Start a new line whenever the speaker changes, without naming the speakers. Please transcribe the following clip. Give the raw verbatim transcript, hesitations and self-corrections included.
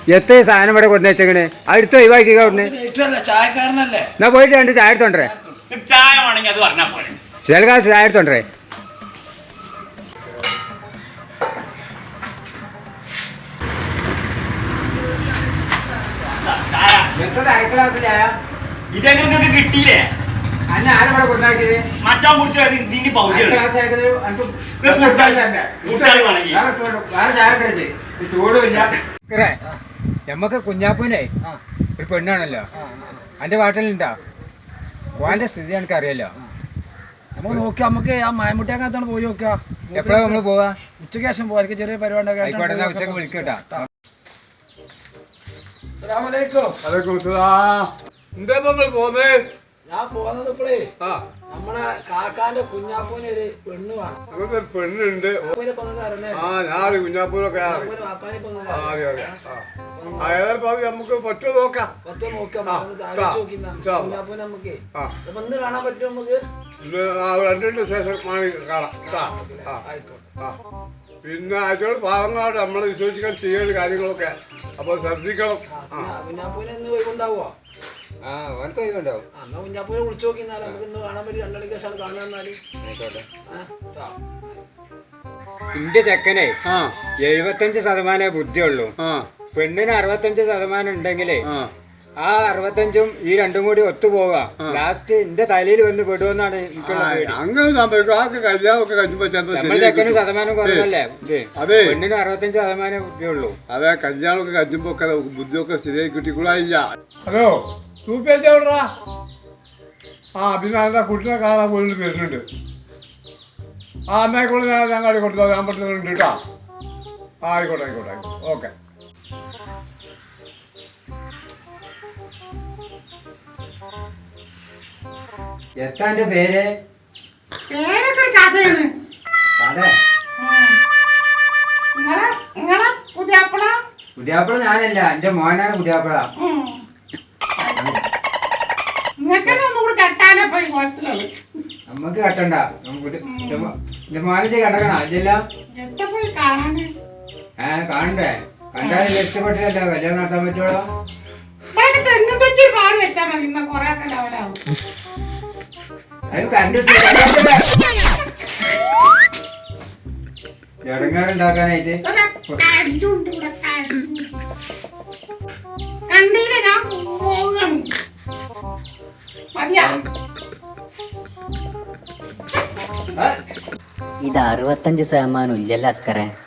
എത്ര സാധനം ഇവിടെ കൊണ്ടു വെച്ചേക്കണ് അടുത്ത് ഒഴിവാക്കി അവിടുന്ന് എന്നാ പോയിട്ട് രണ്ട് ചായ എടുത്തോണ്ടേ ചില കാലത്ത് ചായ എടുത്തോണ്ടേ
ഇതെങ്ങനെ കിട്ടിയില്ലേ മറ്റാ
നമ്മക്ക് കുഞ്ഞാപ്പൂനെ ഒരു പെണ്ണാണല്ലോ അന്റെ വാട്ടിലുണ്ടാ ഓന്റെ സ്ഥിതി എനിക്ക് അറിയാലോ
നമുക്ക് നോക്കാം നമുക്ക് ആ മായമുട്ടിയാക്കത്താണ് പോയി നോക്കാം
എപ്പോഴാ നമ്മള് പോവാ
ഉച്ചയ്ക്ക് ശേഷം പോവാ എനിക്ക് ചെറിയ പരിപാടി
ആയിക്കോട്ടെ ഉച്ചക്ക് വിളിക്കട്ടാ
ഞാൻ പോകുന്നത് ഇപ്പോഴേ നമ്മളെ കാക്കാന്റെ കുഞ്ഞാപ്പൂന് ഒരു പെണ്ണ് വേണം
പെണ്ണുണ്ട് ആ ഞാൻ കുഞ്ഞാപ്പൂരൊക്കെ നമുക്ക് പറ്റോ നോക്കാം
പറ്റോ നോക്കാം കുഞ്ഞാപ്പൂന് നമുക്ക് ഒന്ന് കാണാൻ പറ്റുമോ നമുക്ക്
രണ്ടിന്റെ ശേഷം കാണാം. പിന്നെ ആറ്റോട് പാവങ്ങളോട് നമ്മളെ വിശ്വസിക്കാൻ ചെയ്യേണ്ട കാര്യങ്ങളൊക്കെ അപ്പൊ ശ്രദ്ധിക്കണം.
കുഞ്ഞാപ്പൂന് എന്ന് പോയിക്കൊണ്ടാവോ
ഉണ്ടാവും
എന്നാ കുഞ്ഞാപ്പൂനെ വിളിച്ചു നോക്കി നമുക്ക് ഇന്ന് കാണാൻ പറ്റും രണ്ടണിക്ക് ശേഷം കാണാൻ
എന്റെ ചെക്കനെ എഴുപത്തഞ്ച് ശതമാനേ ബുദ്ധിയുള്ളൂ. പെണ്ണിന് അറുപത്തഞ്ച് ശതമാനം ഉണ്ടെങ്കിലേ ആ അറുപത്തഞ്ചും ഈ രണ്ടും കൂടി ഒത്തുപോവുക ലാസ്റ്റ് എന്റെ തലയിൽ വന്ന് വിടുമെന്നാണ് നമ്മൾ ചെക്കന് ശതമാനം കുറവല്ലേ
അതെ
പെണ്ണിന് അറുപത്തഞ്ച് ശതമാനം ബുദ്ധിയുള്ളൂ.
അതെ കല്യാണമൊക്കെ കഴിയുമ്പോ ബുദ്ധിയൊക്കെ ശരിയായി കിട്ടിക്കൂടായില്ല. ഹലോ സൂപ്പേച്ചാ ആ പിന്നെ എൻ്റെ കുട്ടിനെ കാണാൻ വീട്ടിൽ വരുന്നുണ്ട്. ആ എന്നായിക്കോട്ടെ ഞാൻ ഞങ്ങൾ കൊടുത്തു ഞാൻ പറ്റുന്നുണ്ട് കേട്ടോ. ആ ആയിക്കോട്ടെ ആയിക്കോട്ടെ ആയിക്കോട്ടെ ഓക്കെ.
എത്താന്റെ പേര്
പേരൊക്കെ കഥയാണ്. പുതിയാപ്പിള
പുതിയാപ്പിള ഞാനല്ല എന്റെ മോനാണ് പുതിയാപ്പിള.
ഒന്നുകൂടി കെട്ടാനേ പോയി കുളത്തിലുള്ളു.
നമ്മക്ക് കെട്ടണ്ട എന്റെ മോനെ കടക്കണ അല്ല
എത്ര പോയി കാണാന്
ഏ കാണണ്ടേ കണ്ടാലും ഇഷ്ടപ്പെട്ടില്ലല്ലോ കല്യാണം നടത്താൻ പറ്റുള്ളൂ.
ഇപ്പോഴൊക്കെ തെങ്ങും തെച്ചി പാട് വെച്ചാൽ മതി. ഇന്ന കൊറേ ഒക്കെ ലെവലാവും.
ഇടങ്ങാറുണ്ടാക്കാനായിട്ട്
കണ്ടീല ഞാൻ പോകണം. മതിയാ
ഇത് അറുപത്തഞ്ച് ശതമാനം ഇല്ലല്ലോ അസ്കറെ.